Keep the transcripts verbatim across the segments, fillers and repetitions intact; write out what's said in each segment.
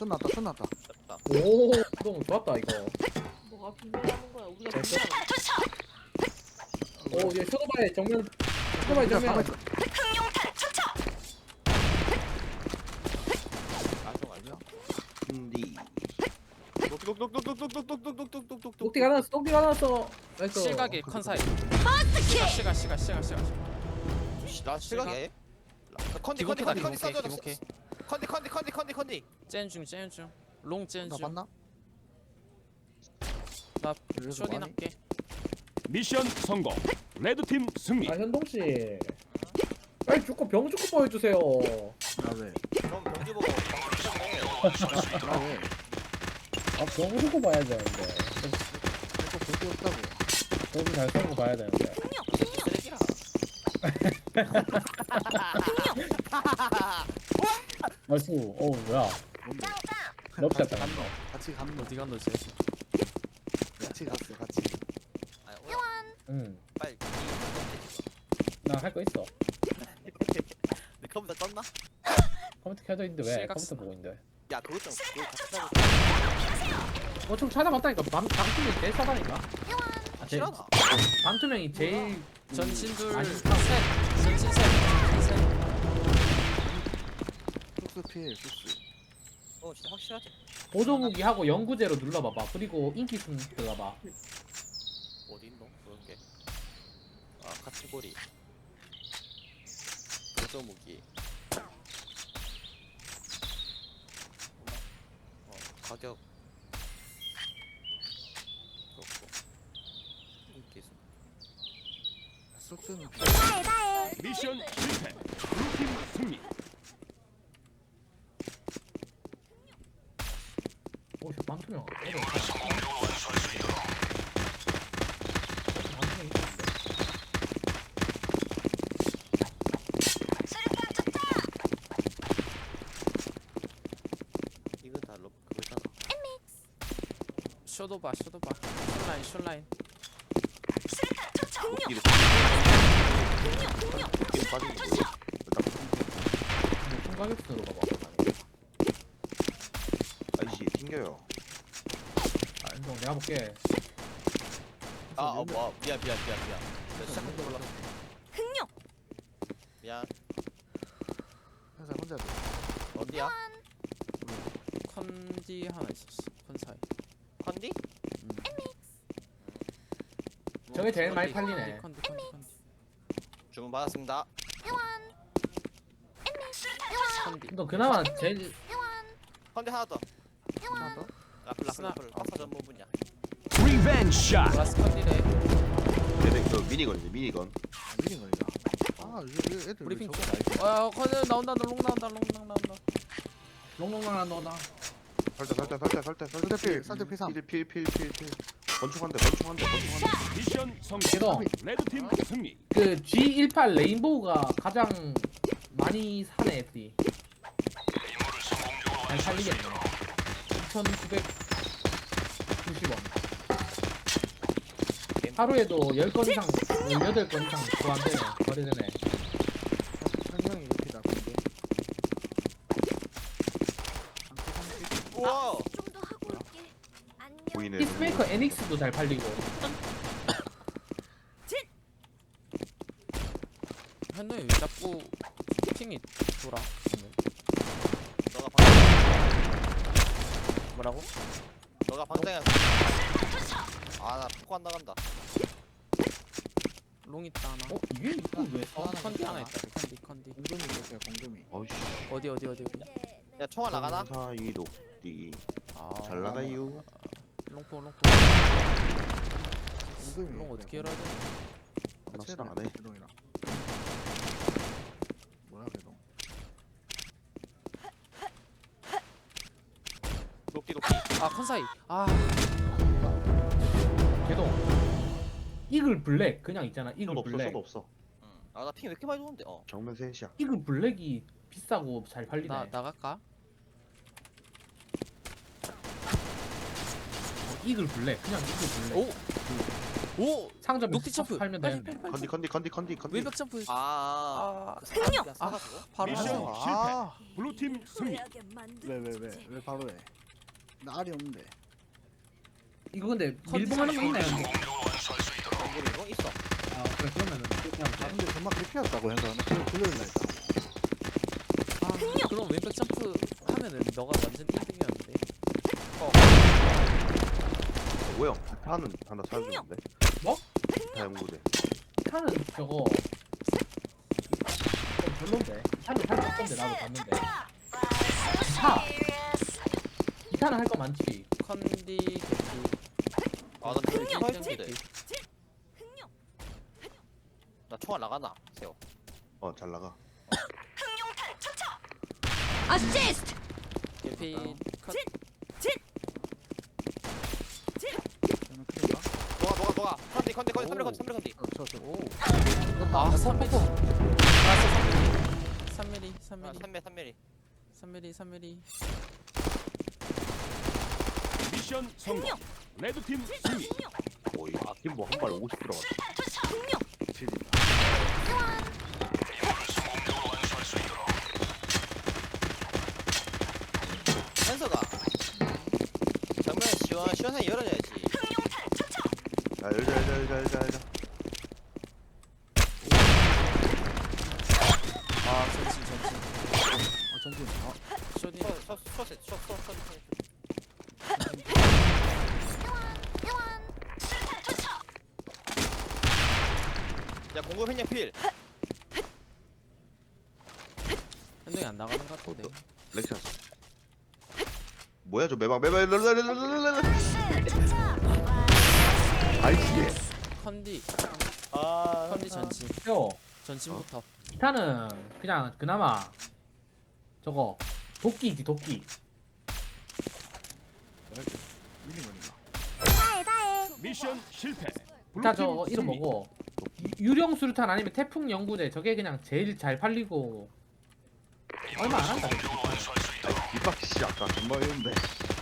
손 났다 손 났다. 됐다. 오, 너무 좋았다 이거. 뭐가 분별하는 거야? 우리가 됐어. 분별하는 오, 얘 쇼도바의 정면, 쇼도바의 그냥 정면. 가만히 있어. 알죠 알죠. 근디 똑똑똑똑똑똑똑똑똑똑똑똑똑. 똑띠가 나왔어, 똑띠가 나왔어. 나이스. 실각이 컨사이. 시가 시가 시가 시가 시가. 나 실각이야. 컨디 컨디 기본캐다 컨디 컨디 기본캐 싸줘. 기본캐. 컨디 컨디 컨디 컨디 컨디. 젠중 젠중. 롱 나 젠중. 봤나? 나 여기서 쇼딘 뭐하니? 할게. 미션 성공. 레드팀 승리. 아, 현동 씨. 빨리 죽고 병 죽고 보여주세요. 나 왜? 그럼 병지 보고 시작해. 나 왜? 아, 병 죽고 봐야 되는데. 이거 볼게 없다고. 병이 잘 싸고 봐야 되는데. 쓰레기라. 나이스. 오, 뭐야. 뭔데? 럽샷다. 같이 갔노? 같이 갔노? 어디 간다 쟤? 같이 갔어 같이. 아니 오늘 응. 빨리. 나 할 거 있어. 내 컴퓨터 떴나? 컴퓨터 켜져 있는데 왜? 실각 컴퓨터 쓰나? 보고 있는데. 야 그거 좀 그거 같이 하고. 어, 좀 찾아봤다니까. 반, 반투명이 제일 싸다니까. 아, 제일, 싫어나. 반투명이 제일. 전신 둘 아니, 셋. 전신 셋. 전신 셋. 쑥스 필 쑥스. 어 진짜 확실하지. 보조무기하고 연구제로 눌러봐봐. 그리고 인기순 들어가봐. 어디 있노? 그런 게. 아 카테고리. 보조 무기. 어 가격. 그렇고. 인기 수. 쑥스는 미션 실패. 블루팀 승리. 오, 저 반투명. 반투명 있었는데. 이거 다 럽, 그거잖아. 쇼도바 쇼도바. 숏라인 숏라인. 웃기를 웃기를 빠진 거 근데 총가격순으로 가봐. 아이씨 튕겨요. 아, 인정. 내가 볼게. 아, 어, 뭐, 미안, 미안, 미안, 미안. 나 시작한 줄 몰랐어. 미안. 항상 혼자 돼. 어디야? 컨디 하나 있었어. 컨사이. 컨디? 저게 제일 많이 컨디. 팔리네. 컨디 컨디 컨디. 주문 받았습니다. 컨디. 너 그나마 제일 컨디 하나 더. 하나 더? 라플, 라플, 스나. 라플. 박사 전문분이야. 리벤지 샷. 라스 컨디래. 얘네 그 미니건이지 미니건. 미리 걸리다. 아 이거 애들 왜 브리핑 저거 알지? 아 컨디 나온다. 롱 나온다. 롱 나온다. 롱롱랑 너다. 살짝 살짝 살짝 살짝 살짝 필, 살짝 필 삼. 필필필필필 건축한대 건축한대 건축한대. 미션 성공. 걔도 레드팀 승리. 그 지 십팔 레인보우가 가장 많이 사네 애들이. 잘 살리겠네. 이천구백구십 원. 하루에도 십 건 이상, 십팔 건 이상 구한대네. 거래되네. 설명이 이렇게 나쁜데. 우와! 좀 더 하고 올게. 안녕. 보이네. 피스메이커 에닉스도 잘 팔리고. 현노이 왜 자꾸 핑이 돌아? 너가 방, 뭐라고? 너가 방장이야. 아, 나 포코 안 나간다. 롱 있다 하나. 어? 이게 이거 왜 어, 사? 컨디 하나 있다. 컨디 컨디. 공금이 있었어요 공금이. 어이씨. 어디 어디 어디 어디. 야, 총알 나가나? 사이 녹디 아. 잘 나가요. 롱포 롱포. 공금이. 롱 어떻게 열어야 돼? 나 수락 안 해. 개동이랑. 뭐야 개동? 녹디, 녹디. 아 컨사이. 아 걔도 이글 블랙 그냥 있잖아. 이글 숏 없어 블랙. 숏 없어. 응. 아, 나 핑 왜 이렇게 많이 도는데? 어. 정면 셋이야. 이글 블랙이 비싸고 잘 팔리네. 나 나갈까? 이글 블랙 그냥 이글 블랙. 오! 오! 상점에 녹티 점프. 팔면 빨리, 되는데. 빨리, 빨리. 컨디 컨디 컨디 컨디 컨디. 외벽 점프. 아, 아, 그 사람이야, 사가지고? 바로 미션 하세요. 아, 실패. 블루팀 승리. 왜 왜 왜 왜 바로 해? 나 알이 없는데. 이거 근데 밀봉하는 거 있나요? 근데? 공구리 이거 있어. 아 그래 그러면은 그냥 아 근데 정말 개피였다고 해서 나 그걸 돌려달라 했다. 아, 그럼 외벽 점프 하면은 너가 완전 일 등이었는데. 오형 타는 하나 사주는데. 뭐? 타 연구대. 차는 저거 좀 별론데. 차는 살 건데 나도 봤는데. 차. 기타는 할 거 많지. 컨디 개피. 아, 나 그거 일 할 등 텐데. 개피. 나 총알 나가나? 세요. 어 잘 나가. 어시스트. 개피 컷. 저는 큰일인가? 너가, 너가, 너가. 컨디, 컨디, 컨디, 삼밀 컨디, 삼밀 컨디. 어, 저, 저. 오. 아, 삼 밀리. 나왔어, 삼 밀리. 삼 밀리, 아, 삼 밀리. 삼밀, 삼밀이. 삼 밀리, 삼 밀리. 미션 성공. 레드팀 승리. 오이 아낌뭐 한 발 오십 들어갔어. 질이다. 현서가. 정면 시원, 시원하게 열어줘야지. 자 열자 열자 열자 열자 열자. 아, 전진, 전진. 어, 전진. 어, 쇼딘. 셔, 셔, 셔, 셔, 셔, 셔, 셔, 셔. 야, 공급 횡령 필. 현동이 안 나가는 것 같은데. 렉션. 뭐야 저 매박 매박 랄랄랄랄랄랄. 아이씨. 컨디, 아, 컨디 전진. 요 전진부터. 기타는 그냥 그나마 저거 도끼지 도끼. 밀린 거니까. 다해 다해. 미션 실패. 기타 블루팀 저 이름 승리. 뭐고? 유- 유령 수류탄 아니면 태풍 연구제 저게 그냥 제일 잘 팔리고 얼마 안 한다. 이박 씨 아까 뭐 이런데.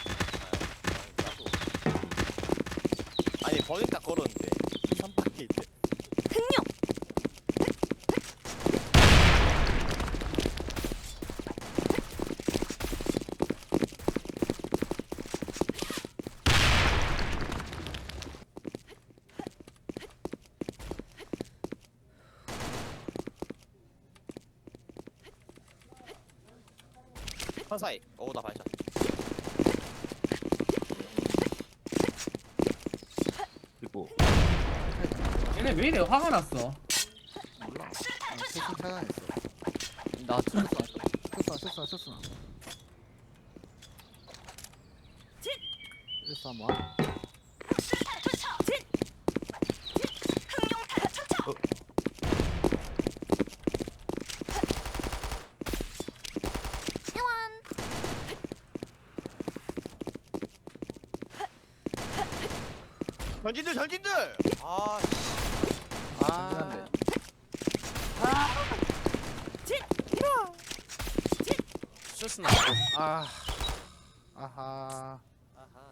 아니, 버닝 딱 걸었는데. 삼 바퀴 있대. 판사이. 오, 나 반샷. 있고. 얘네 왜 이래 화가 났어? 몰라. 아, 세팅 차단했어. 나 좀. 실수나, 실수나, 실수나. 실수 한번. 전진들, 전진들! 아, 아. 쇼스 나. 아, 아하. 아하.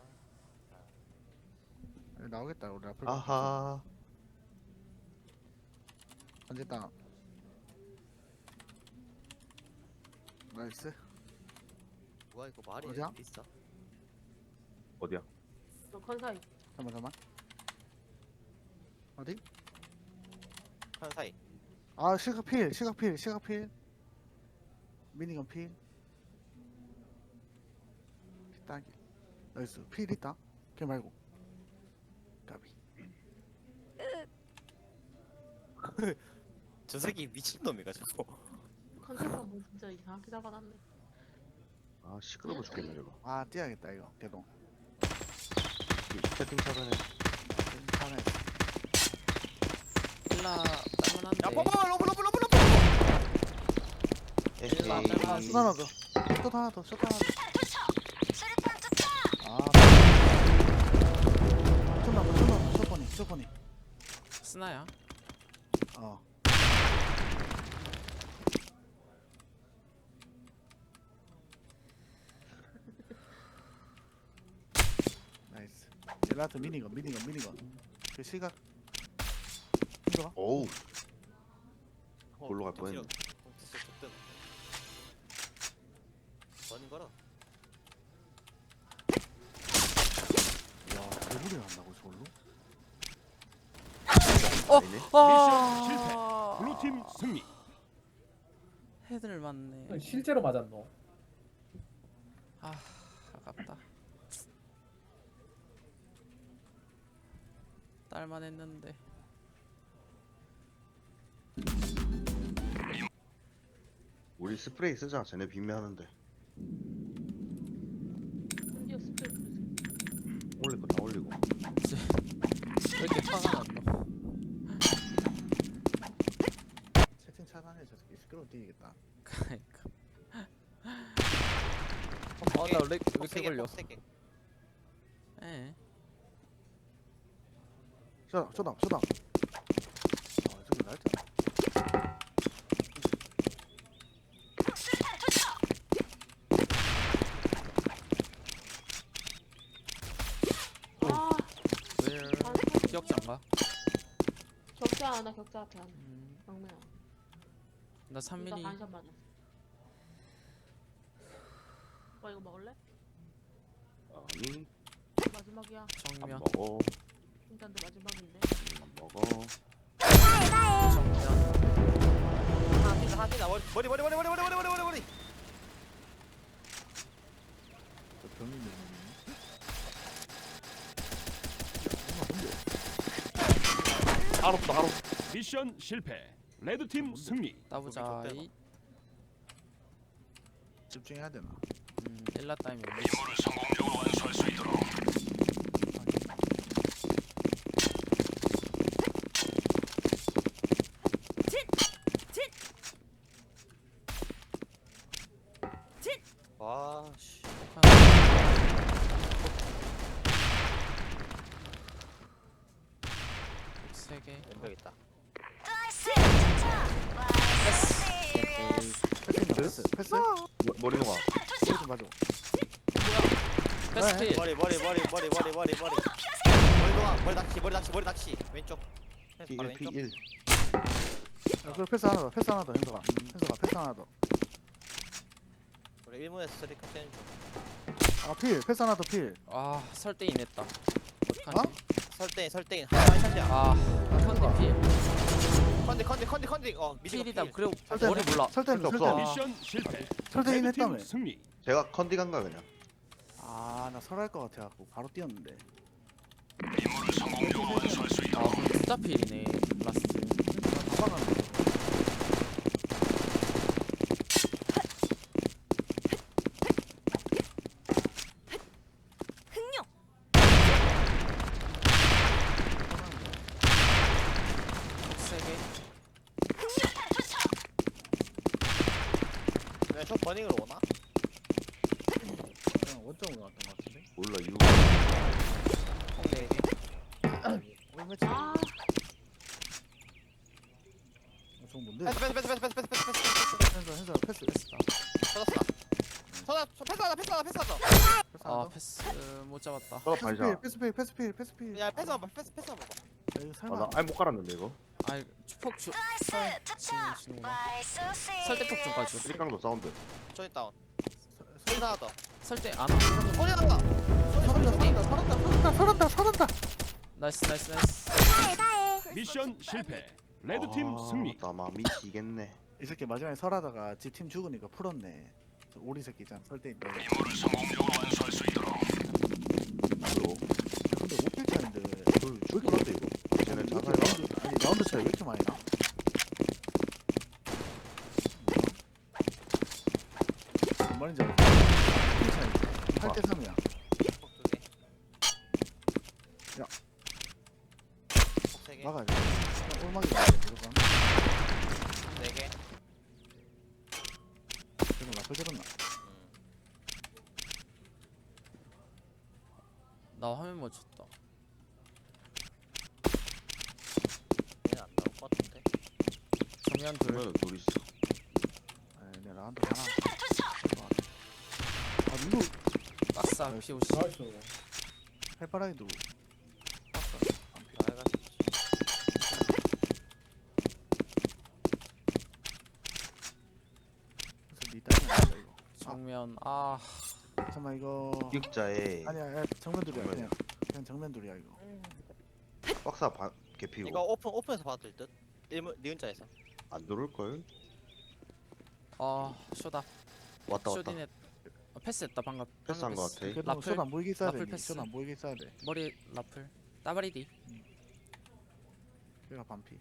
여기 나오겠다, 우리 앞을. 아하. 언제다. 나이스. 뭐야, 이거 말이 어디야? 있어? 어디야? 너 컨사이. 잠깐만, 잠깐만. 어디? 판사이. 아, 시각필, 시각필, 시각필. 미니건 필. 딱이. 나이스. 필 있다. 걔 말고. 까비. 저 새끼 미친놈이가지고. 컨셉가 뭐 진짜 이상하게 잡아놨네. 아 시끄러워 죽겠네 저거. 아, 뛰어야겠다, 이거. 개동. 채팅 차단해. 하나 일라 따문한데. 야, 뽀뽀! 로브, 로브, 로브, 로브! 에헤이. 아, 슛 하나 더. 슛 하나 더, 슛 하나 더. 아, 슛 나봐, 슛 나봐, 슛퍼니, 슛퍼니. 스나야. 어. 나이스. 라트 미니건 미니건 미니건 그 시각 힘들어? 어우 골로 갈 뻔했네. 됐어 족대다. 버닝 걸어. 와 대부리 한다고 저걸로? 아니네. 아 블루팀 승리. 헤드를 맞네. 실제로 맞았노. 아 아깝다. 딸만 했는데. 우리 스프레이 쓰자. 쟤네 빈매하는데. 드디어 스프레이 뿌리세요. 올릴 거 다 올리고. 왜 이렇게 화가 났노? 채팅 차단해 저 새끼 시끄러워 뛰겠다. 그러니까. 어나 렉 왜 이렇게 걸려? 세 개. 예. 쇼다 쇼다 쇼다. 아 저기 날짜. 아, 왜 기억장가? 격자 하나, 격자 앞에 하나. 음, 막내야. 나 삼 이거 미리 반샷 맞았어. 오빠 이거 먹을래? 아니 마지막이야. 안 정면 먹어. 일단도 마지막인데. 안 먹어. 정면 하나 뛴다 하나 뛴다. 머리 머리 머리 머리 머리 머리 머리 머리 머리. 저 병이 있는 알았다 알았다. 미션 실패. 레드팀 승리. 따보자. 거기 이 집중해야 되나? 음, 일라 타임이 와 씨. 세 개. 왼벽 있다. 패스 패스. 머- 머리 녹아. 머리 좀 맞아. 패스 필. 머리 머리 머리 머리 머리 머리 머리. 머리 동아 머리 낚시 머리 낚시 머리 낚시 왼쪽. 바로 피 일 왼쪽. 피 일. 야, 그 패스 하나 더 패스 하나 더 현서가 현서가 패스 하나 더. 우리 일문에서 스트리커 떼는 중. 아필 패스 하나 더 필. 아 설대인 했다. 어? 어떡하지? 설대인 설대인 하나 샷이야. 아 컨디 필. 컨디 컨디 컨디 컨디 어 미디어 필이다. 필. 그리고 설대 머리 몰라. 설대 설대 설대 없어. 미션 실패. 설대 인 했다며. 레드팀 승리. 제가 컨디간가 그냥. 아나 설할 것 같아갖고 바로 뛰었는데. 아 그럼 진짜 필이네. 라스트. 다 박았네. 세 개. 왼쪽 버닝으로 오나? 그냥 원점으로 갔던 것 같은데. 몰라 이유. 네 개. 오늘 매치. 아, 어, 저거 뭔데? 패스 패스 패스 패스 패스 패스 패스 패스. 현서 현서 패스. 패스다. 터졌어. 터졌. 패스 하나 패스 하나 패스 하나. 패스 하나 아 더. 패스 못 잡았다. 너 패스 필 반샷. 패스 필 패스 필 패스 필. 야 패스 한번 패스 패스 한번. 야, 이거 설마. 아나 아예 못 깔았는데 이거. 아이 폭 주. 설 지는구나. 설대 폭 좀 가줘. 쓰리깡도 사운드. 조인 다운. 설- 소리 하나 더. 설대 안. 소리 난다. 소리 소리 소리. 설한다 설한다 설한다 설한다. 나이스 나이스 나이스. 미션 실패. 레드팀 아, 승리. 나 미치겠네. 이 새끼 마지막에 설하다가 지 팀 죽으니까 풀었네. 저 오리 새끼 있잖아 설대 있다. 그리고 근데 오 필 차인데 그 죽이는데 이거. 쟤네 이렇게 자살가. 라운드 아니 라운드 차이 왜 이렇게 많이 나? 뭔 말인지 알아? 필 차이 팔 대 삼이야. 폭두 개. 야. 폭세 개. 막아야 돼. 그냥 올막이 나야 돼 무조건. 네 개. 지금 라플 들었나? 음. 나 화면 못 쳤다. 얘는 안 나올 것 같은데. 정면 둘. 그러면 둘 있어. 아니 내 라운드 하나. 아 누구 박사 피오시. 나이스. 해바라기도 정면 아 잠깐만 이거 육자에 아니야 야, 정면 둘이야 정면이야. 그냥 그냥 정면 둘이야 이거. 박사 반 개피고 이거 오픈 오픈에서 봐도 될 듯. 일문 니은자에서. 안 들어올 걸? 아 쇼다 왔다 왔다. 쇼디넷 어, 패스했다 방금 패스한 방금 거 같아. 그래도 라플? 쇼안 보이게 있어야 돼. 라플 패스. 쇼안 보이게 있어야 돼. 머리 라플 따바리디 얘가 반피.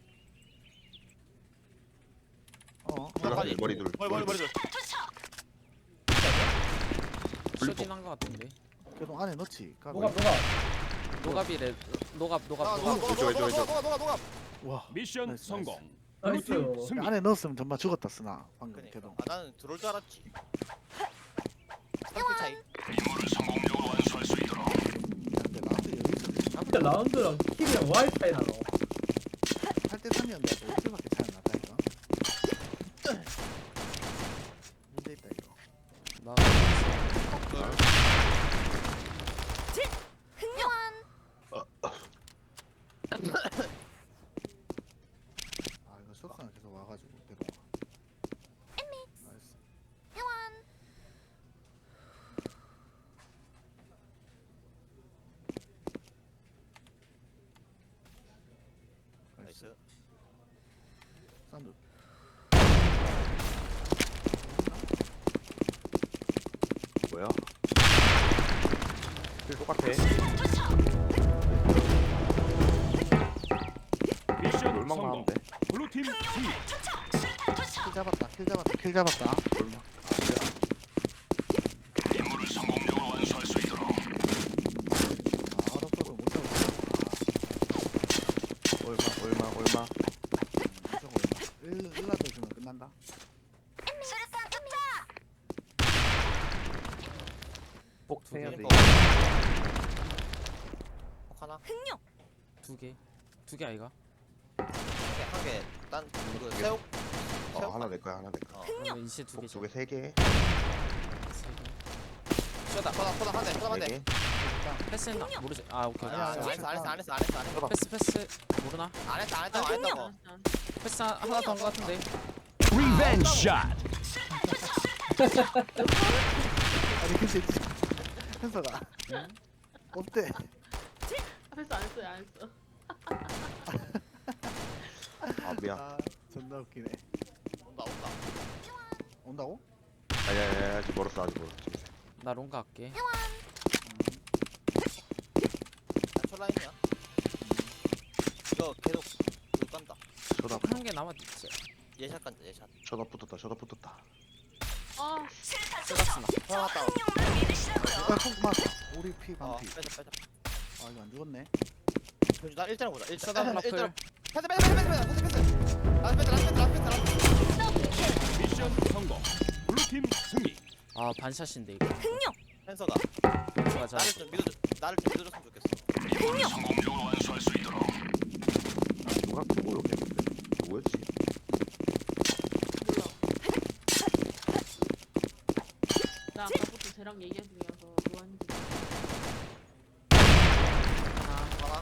어. 올라가, 빨리. 머리 둘. 머리 머리 머리 둘. 쇼딘 한거 같은데 그래도 안에 넣지. 까비. 뭐가 뭐가 노갑이래 노갑 아, 노갑 녹아 노갑 녹아 왼쪽, 녹아 왼쪽, 녹아 녹아 녹아 녹아. 와. 미션 나이스, 성공. 나이스. 블루팀 승리. 안에 넣었으면 정말 죽었다 쓰나 방금 그러니까. 걔도. 아 나는 들어올 줄 알았지. 삼킬 차이. 근데 나한테 여기서 진짜 라운드랑 킬이랑 와이 차이 나노. 팔 대 삼이었는데 일 킬밖에 차이 안 났다니까. 문제 있다 이거. 나 아 이거 쇼스가 계속 와가지고 계속. 나이스. 나이스. 나이스. 사운드. 뭐야? 킬 똑같아. 미션 얼마만 하면 성공. 돼? 블루팀 승리. 킬 잡았다. 킬 잡았다. 킬 잡았다. 얼마? 아 어렵어도 못 잡았어. 얼마 얼마 얼마? 무조건 얼마. 일 일라도 주면 끝난다. 꼭 두 해야 개. 돼. 혹 하나. 두개두 개 아이가 한개딴그 새우. 어 하나 내 거야 하나 내 거야. 어. 그러면 인시 두 개죠 꼭두개 세 개. 쇼다 쇼다 쇼다 한 대. 쇼다 한 네 대. 개. 패스했나 모르지 아 오케이 아니야 안 아니야, 했어 안 했어 안 했어 안 했어 안 했어. 패스 패스 모르나 안 했다 안 했다 안 했다고. 패스 하- 하나 더 한 거 같은데 리벤지 샷. 아니 근데 현서가 없대. 앞에서 안 했어요 안 했어. 아 미안. 아 존나 웃기네. 온다 온다. 온다고? 아야야 아직 멀었어 아직 멀었어. 나 롱가 할게 초라인이야. 이거 계속 물 깐다. 쳐다 한 개 남았지 예샷 간다 예샷. 쳐다 붙었다 쳐다 붙었다. 아 세다스나 들어갔다. 야 콩, 맞. 우리 피 어 반피. 빼자 빼자. 아 이거 안 죽었네. 그럼 나 일자로 보자. 일자. 쇼다 라플 일자로. 패스 패스 패스 패스 패스 패스. 라스 패스 라스 패스 라스 패스 라스 패스. 미션 성공. 블루팀 승리. 아 반샷인데 이거 펜서가 좋아 자 나를 좀 믿어줘. 나를 좀 믿어줬으면 좋겠어. 아 누가 그거 욕했는데? 누구였지? 몰라. 나 아까부터 쟤랑 얘기 중이어서 뭐 하는지. 하나.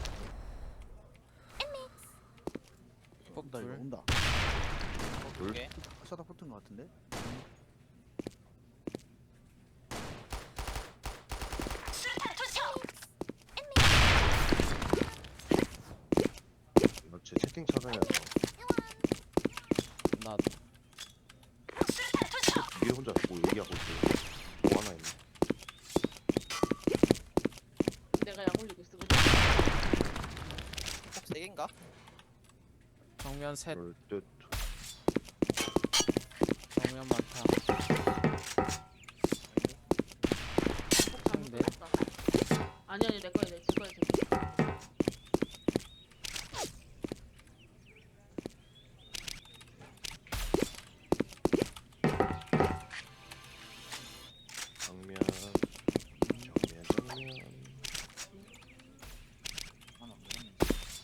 온다 이거 폭둘 온다. 둘. 두 개. 셔다 붙은 것 같은데. 이거 제 채팅 찾아내서 나 위에 혼자 뭐 얘기하고 있어. 뭐 하나 있네. 내가 약 올리고 있어. 그지? 꼭세 개인가? 정면 셋 그럴 듯. 정면 많다 폭 잘못 네. 떴다. 아니 아니 내 거야 내 제 거야 제 거야. 정면 정면 정면. 하나 먹었네.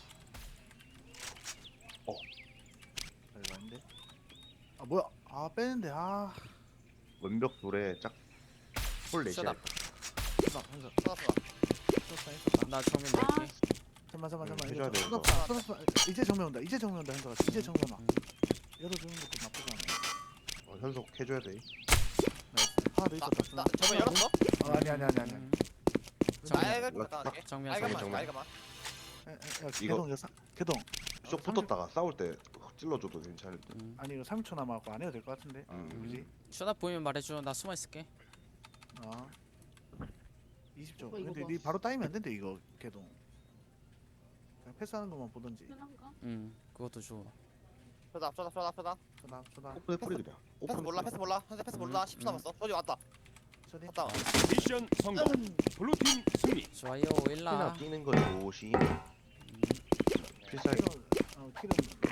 어. 아, 이거 아닌데? 아 뭐야? 아 빼는데 아. 원벽 돌에 짝홀 내시야. 쇼다 나 현서. 쏟았어. 쏟았다 했었다. 나 정면 아 낼게 잠만 잠만 잠만. 해줘야 이거 돼, 이거. 쏟았다 쏟았다. 이제 정면 온다. 이제 정면 온다 현서가. 이제 정면 와. 열어주는 것도 나쁘지 않아. 어, 현석 해줘야 돼. 나이스. 하나 더 있었다. 나 저번 열었어? 어, 아니 아니 아니 아니. 음. 나야가 정면. 갔다 갈게. 정면 알가만 정면. 알가만. 야, 야, 야, 이거- 개동 이거 사, 개동. 쭉 붙었다가 싸울 때 찔러줘도 괜찮을 듯. 음. 아니 이거 삼 초 남았고 안 해도 될 것 같은데. 음. 그지? 쇼다 보이면 말해줘. 나 숨어 있을게. 어. 이십 초. 어, 이거 근데 봐. 니 바로 따이면 안 된대 이거 개동. 그냥 패스하는 것만 보던지. 편한가? 응, 그것도 좋아. 쏘다 쏘다 쏘다 쏘다. 쳐다 쳐다. 오픈에 뿌리 그냥. 패스 오픈에 몰라 뿌리. 패스 몰라. 현재 패스 몰라. 십 초 음. 남았어. 저기 왔다. 쳐디. 왔다. 미션 성공. 블루팀 승리. 좋아요, 피나 일라. 뛰는 거 조심. 필살기. 키로 어 키로.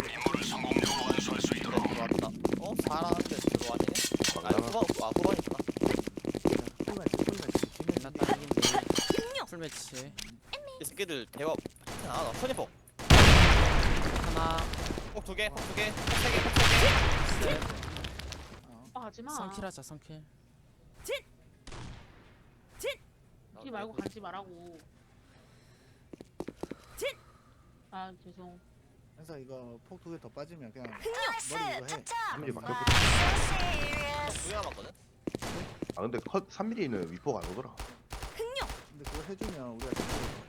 들어왔다. 어 잘하는데 들어왔네. 아 막나가. 후반 아 후반이구나. 풀매치 풀매치. 일라 딸긴데. 풀매치. 이 새끼들 대화 하나 더. 선입복. 하나, 폭두 개, 폭두 개, 폭세 개, 폭세 셋. 어. 아 하지마. 삼킬 하자, 삼킬. 개. 기 말고 가지 말라고. 아 죄송. 그래서 이거 폭 두 개 더 빠지면 그냥 머리 이거 해. 삼 밀리 막혀. 두개 남았거든. 아 근데 컷 삼 밀리는 위폭 안 오더라. 근데 그거 해주면 우리가 진짜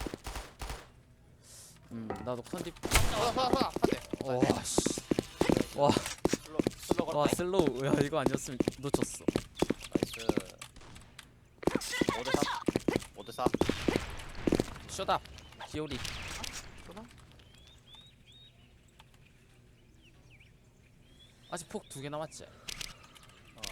음, 나도 컨디. 쏘다 쏘다 쏘다. 한 대. 와, 씨. 와, 슬로 슬로 와, 걸었다. 슬로우. 야, 이거 아니었으면 놓쳤어. 나이스. 오 대 삼. 오 대 사. 쇼다. 기오리. 쏘나? 아직 폭 두 개 남았지? 어.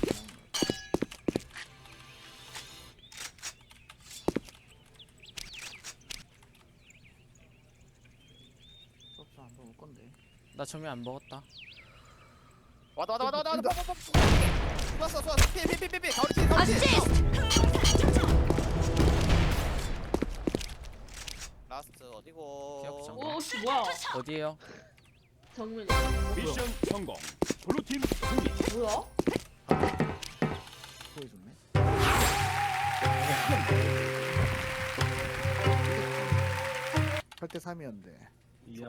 없어 한번 올 건데. 나 정면 안 먹었다. 왔다 왔다 왔다 왔다 왔다. 쏘았어 쏘았어. 피피피피피. 가오리 피 가오리 피. 어시스트. 라스트 어디고? 기억장. 오씨 뭐야? 어디에요? 정면이. 미션 성공. 블루팀 승리. 뭐야? 보여줬네. 팔 대 삼이었는데. 이야.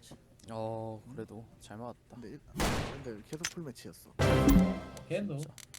어, 그래도 잘 맞았다. 근데 일- 근데 계속 풀 매치였어. 걔도 진짜.